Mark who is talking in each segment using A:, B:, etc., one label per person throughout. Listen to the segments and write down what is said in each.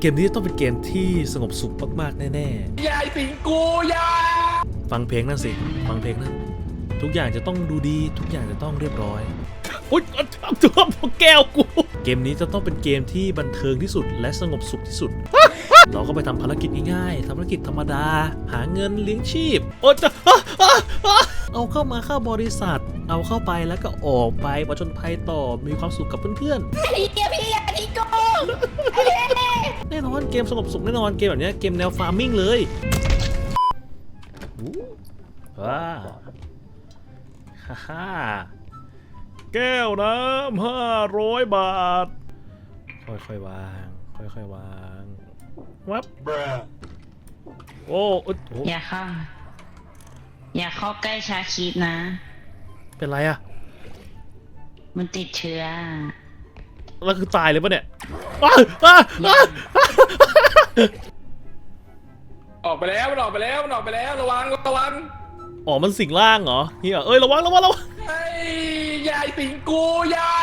A: กมนี้ต้องเป็นเกมที่สงบสุขมากๆแน่
B: ยายสิงกูยา
A: ฟังเพลงนั่นสิฟังเพลงนั่นทุกอย่างจะต้องดูดีทุกอย่างจะต้องเรียบร้อยอุ๊ยตัวแก้วกูเกมนี้จะต้องเป็นเกมที่บันเทิงที่สุดและสงบสุขที่สุดเราก็ไปทำภารกิจง่ายๆทำภารกิจธรรมดาหาเงินเลี้ยงชีพโอ้จะเอาเข้ามาเข้าบริษัทเอาเข้าไปแล้วก็ออกไปผจญภัยต่อมีความสุขกับเพื่อนๆ
C: พี่อย่าทิ้งกู
A: แน่นอนเกมสงบสุขแน่นอนเกมแบบนี้เกมแนวฟาร์มมิ่งเลยว้าฮ่าแก้วน้ำ500 บาทค่อยๆวางค่อยๆวางวับโอ้
C: อย่าเข้าใกล้ชาคิดนะ
A: เป็นไรอะ
C: มันติดเชื้อ
A: แล้วคือตายเลยปะเนี่ย
B: ออกไปแล้วมันออกไปแล้วระวัง
A: อ๋อมันสิงร่างเหรอเฮียเอ้ยระวัง
B: ไอ้ยายสิงกูยา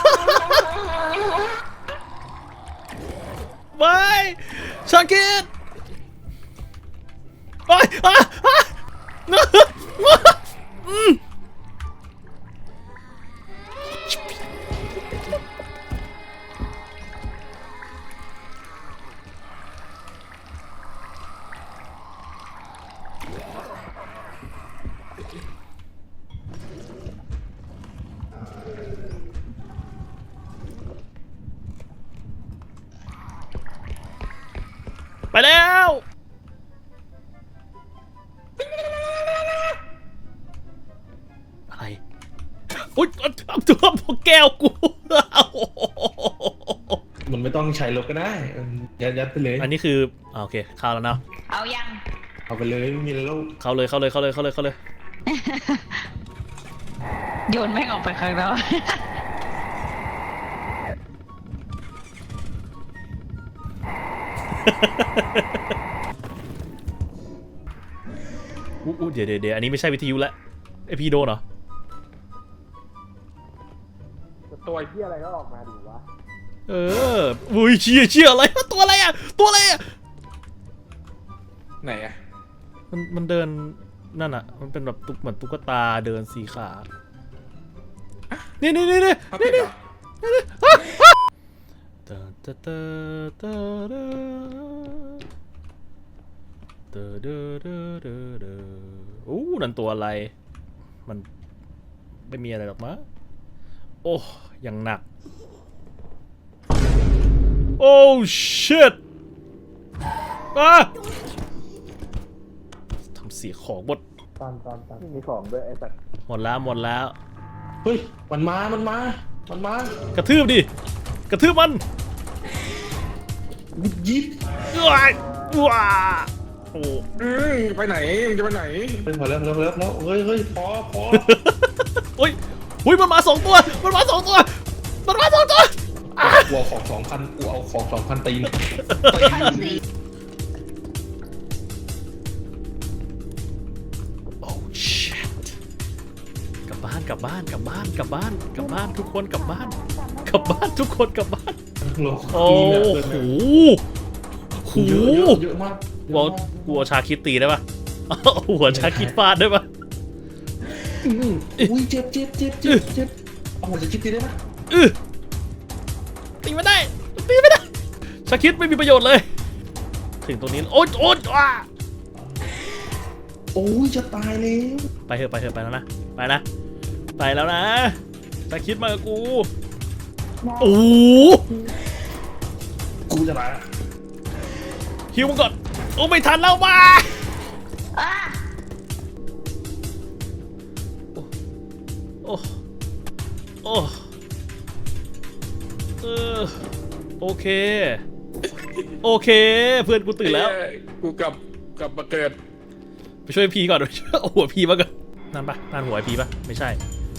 A: ไม่ชาคิดไปไปแล้วอะไรอุ๊ยตัวแก้วกู
D: มันไม่ต้องใช้รถก็ได้ยัดไปเลย
A: อันนี้คือโอเคเข้าแล้วเนาะ
C: เอายัง
D: เอาไปเลยไม่มีแล้ว
A: เข้าเลย
C: โยนแม่งออกไปข้างนอก
A: เดี๋ยวอันนี้ไม่ใช่วิทยุแล้วไอพีโดนเหรอ
B: ตัวเหี้ยอะไรก็ออกมาดิวะ
A: อุ้ยเชี่ยอะไรตัวอะไรอะ
B: ไหนอะ
A: มันเดินนั่นอะมันเป็นแบบเหมือนตุ๊กตาเดิน4 ขานี่นั่นตัวอะไรมันไม่มีอะไรหรอกมั้งโอ้ยังหนักโอ้ชิตทำเสียของหมด
B: ตอนมีของด้วยไอ้สัตว์
A: หมดแล้ว
D: เฮ้ยมันมาก
A: ระทืบดิกระทืบมัน
D: ยิบ
A: ว้าโอ้
B: ไปไหนมึงจะไปไหน
D: พอแล้วเฮ้ยพอ
A: อุ้ยมันมา2 ตัวกลัว
D: ของ2,000กูเอาของ2,000ตีน
A: โอ้ชิตกลับบ้านทุกคนกลับบ้านโอ้โห
D: เยอะมาก
A: กลัวชาคิดตีได้ปะหัวชาคิดฟาดได้ปะ
D: อุ้ยเจ็บเอาหัวชาคิดตีได้ปะ
A: ตีไม่ได้ชาคิดไม่มีประโยชน์เลยถึงตรงนี้โอ๊ย
D: โอ้ยจะตายแล้ว
A: ไปเถอะไปแล้วนะไปแล้วนะชาคิดมากับกูโอ้
D: กูจะตาย
A: ฮิวมันก่อนโอ้ไม่ทันแล้วมาโอเคเพื่อนกูตื่นแล้ว
B: กูกลับมาเกิด
A: ไปช่วยพีก่อนเอาหัวพีมาก่อนนั่นหัวพีปะไม่ใช่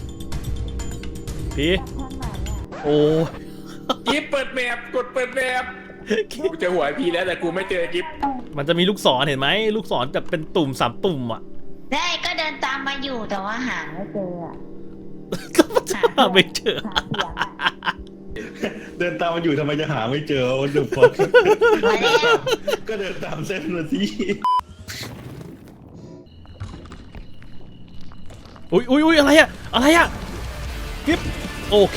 A: พีโอ้
B: กิ๊บเปิดแมปกดเปิดแมปกูเจอหัวพีแล้วแต่กูไม่เจอกิ๊บ
A: มันจะมีลูกศรเห็นไหมลูกศรจะเป็นตุ่ม3 ตุ่มอ่ะ
C: ได้ก็เดินตามมาอยู่แต่ว่าหาไม่เจอ
A: หาไม่เจอ
D: เดินตามมาอยู่ทำไมจะหาไม่เจอวันเดือดฟอ
C: มาแล้ว
D: ก็เดินตามเส้นมาสิ
A: อุ้ยอะไรอะอะไรอะกิ๊บโอเค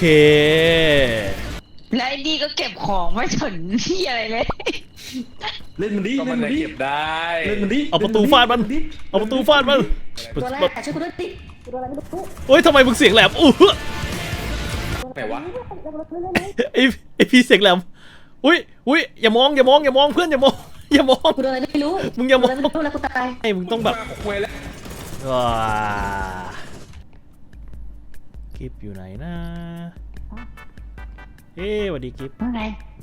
C: แล้วไอ้นี่ก็เก็บของไม่สนที่อะไรเลย
D: เล่นมันดิ
B: ก็
D: เล่
B: มัน น
D: มัน
B: จะ
D: ดิ
B: เก็บได้
D: เล่นมันดิ
A: เอาประตูฟาดมันเอาประตูฟาดมัน
E: ตัวแรกช่วยกูด้วยสิตัวอะไรไม่รู้
A: เฮ้ยทำไมมึงเสียงแหลม
B: ไหนวะ
A: ไอพี่เสียงแหลมอุ้ยอย่ามองเพื่อนอย่ามองอย่ามอง
E: กูโดนอะไรไม่รู้
A: มึงอย่ามอง
E: โดนอะไรไม่รู้แล้วกูตาย
A: ไอ้มึงต้องแบบ
B: คุยแล้ว
A: ว้ากิฟอยู่ไหนนะเอ๊ะสวัสดีกิฟ
C: ว่าไง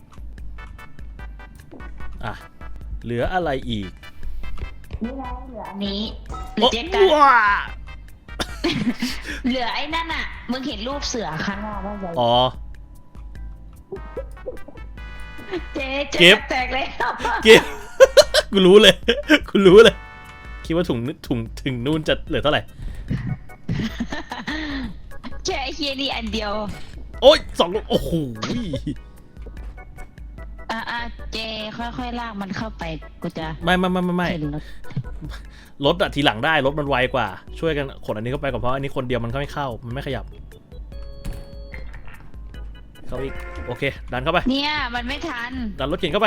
A: อ่ะเหลืออะไรอีก
C: นี่ไงเหลืออันนี้เหลือเจ๊กัน
A: ว้า
C: เหลือไอ้นั่นอ่ะ มึงเห็นรูปเสือข้างหน้าบ้างไหม
A: อ๋อ
C: เจ๊
A: เก็บ
C: แตกเลย
A: กิฟ กูรู้เลยคิดว่าถุงถึงนู่นจะเหลือเท่าไหร่
C: แค่ไอ้เฮียนี่อันเดียว
A: โอ้ย2 ลูกโอ้โห
C: เจค่อยๆลากมันเข้าไปกูจะ
A: ไม่
C: เห็นรถ
A: รถอะทีหลังได้รถมันไวกว่าช่วยกันขนอันนี้เข้าไปก่อนเพราะอันนี้คนเดียวมันก็ไม่เข้ามันไม่ขยับเข้าอีกโอเคดันเข้าไป
C: เนี่ยมันไม่ทัน
A: ดันรถเข็นเข้าไป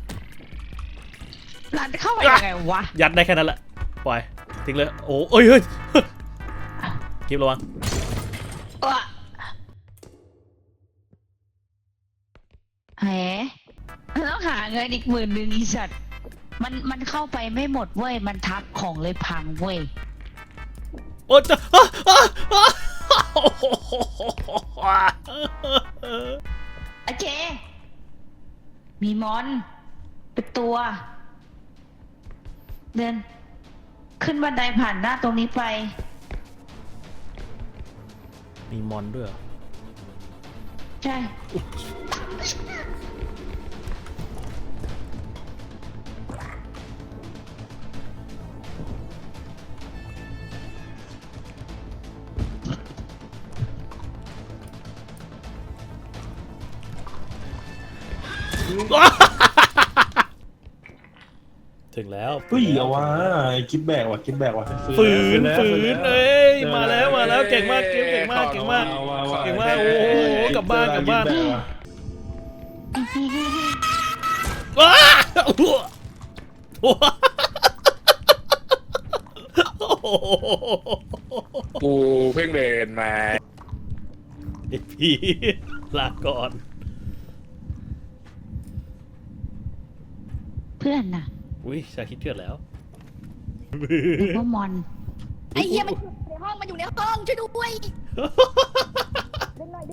C: รันเข้าไปยังไงวะ
A: ยัดได้แค่นั้นแหละปล่อยทิ้งเลยโอ้เอ้ยเฮ้ยกิฟระวัง
C: วะแหมต้องหาเงินอีก10,000อีสัตว์มันเข้าไปไม่หมดเว้ยมันทับของเลยพังเว้ย
A: โอ้จะ
C: อะเจ มีมอนเป็นตัว เดิน ขึ้นบันไดผ่านหน้าตรงนี้ไป
A: มีมอนด้วยเหรอ
C: ใช่
A: ถึงแล้ว
D: เฮ้ยเอาวะคิดแบกว่ะคิดแบกว่ะ
A: ฝืนเอ้ยมาแล้วเก่งมากเก่งมากโอ้โหกลับบ้านว้า
B: กูเพิ่งเดินมา
A: ไอพี่ลาก่อน
C: เพื่อนน่ะ
A: อุ้ยชาคิดเถื่อนแล้ว
C: หรือว่ามอน
E: ไอ้เหี้ยมันอยู่ในห้องมันอยู่ในห้องช่วยด้วยดึงหน่อย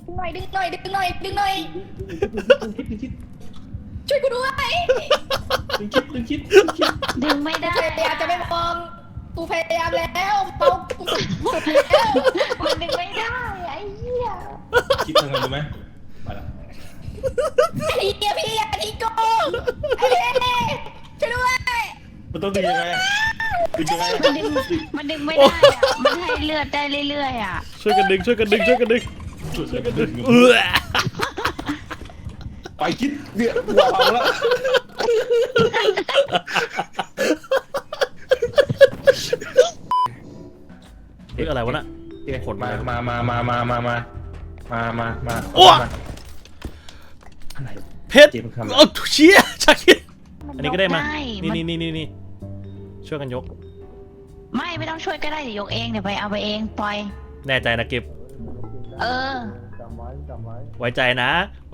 E: ช่วยกูด้วย
D: คิด
C: ดึงไม่ได้
E: พยายามจะไม่มองกูพยายามแล้วเมากูสุดแล้ว
C: มันดึงไม่ได้ไอ้เหี้ย
D: คิดทางกันไหมไปละ
E: ไอ้เหี้ยพี่อย่าทิ้งกูไอ้เหี้ยช่วยด้วย
D: มันต้องดึงยังไงดึงยังไง
C: มันดึงไม่ได้อะมันให้เลือดได้เรื่อยๆอ่ะ
A: ช่วยกันดึง
D: ไปคิดเดี๋ยววางแล้ว
A: เฮ้ยอะไรวะน่ะ ขน
D: มา
A: โอ้เพชรโอ้เชี่ยชาคิดอันนี้ก็ได้มานี่ช่วยกันยก
C: ไม่ต้องช่วยก็ได้เดี๋ยวยกเองเดี๋ยวไปเอาไปเองปล่อย
A: แน่ใจนะเก็บ
C: เออ
A: ไว้ใจนะ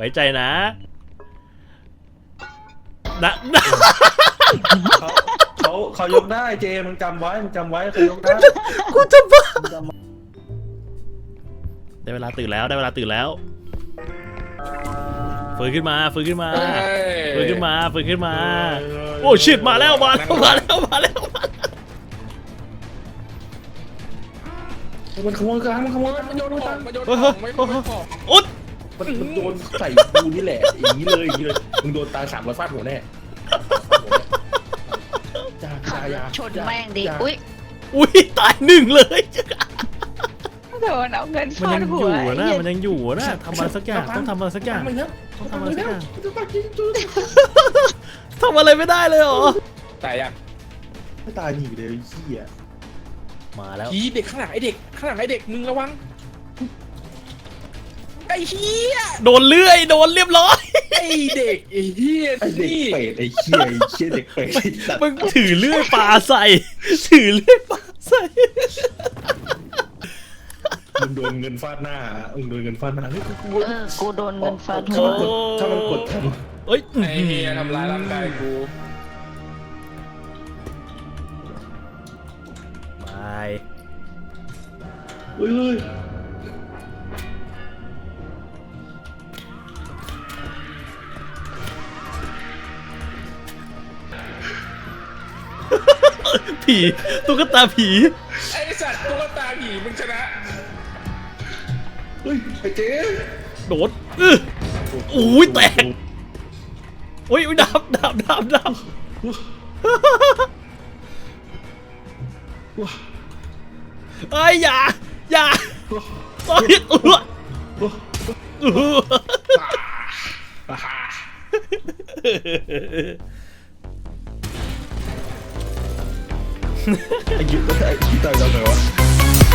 D: เขายกได้เจมึงจำไว้เขายกได้
A: กูจะบ้าได้เวลาตื่นแล้วฟื้นขึ้นมาโอ้ชิตมาแล้ว
D: มันขโมยกลางมันโยนตัง
B: มาโยนของไม่ของ
A: อุ๊ด
D: มันโดนใส่กูนี่แหละอย่างนี้เลยมึงโดนตา300ฟาดหัวแน่
C: ขับรถชนแม่งดิอุ้ย
A: ตาย1เลย
C: โดนเอาเงิน
A: มัน
C: ฟา
A: ยั
C: ด
A: ง
C: หั
A: อ
C: ว
A: ยู่นะ
C: ไอ้เหี้ย
A: มันยังอยู่นะทำอะไรสักอย่างต้องทำอะไรสักอย่าง
D: มันแล้ว
A: ต้องทำอะไรสักอย่าง
D: จะมากินจุ๊
A: ทำอะไรไม่ได้เลยเหรอ
B: ตายยัง
D: ไม่ตายหนีเลยไอ้เหี้ย
A: มาแล้ว
B: ผีเด็กข้างหลังไอเด็กข้างหลังไอเด็กมึงระวังไอ้เหี้ย
A: โดนเลื่อยโดนเรียบร้อย
B: ไอเด็กไอ้เหี้ย
D: ไอเด็ก
B: นี่
D: เป็ดไอ้เหี้ยไอ้เหี้ยเด็กเป็ดไอ้สัตว์
A: มึงถือเลื่อยปลาใส่ถือเลื่อยปลาใส่
D: มึงโดนเงินฟาดหน้ามึงโดนเงินฟาดหน้าเฮ้ยกู
C: กูโดนเงินฟาด
D: ถ้า
C: หัว
D: มันกดทัน
A: เอ้ย
B: ไอ้เหี้ยทำร้ายร่างกายกู
A: ไป
D: เฮ้ย
A: ผีตุ๊กตาผี
B: ไอ้สัตว์ตุ๊กตาผีมึงชนะ
D: เฮ้ยไอ้เจ๊
A: โดดอุ้ยแตกอุ้ยดับเอ้ยอย่าเอ้ย
D: ไอ้ยุทธ์ไอ้ที่ตายแล้วไงวะ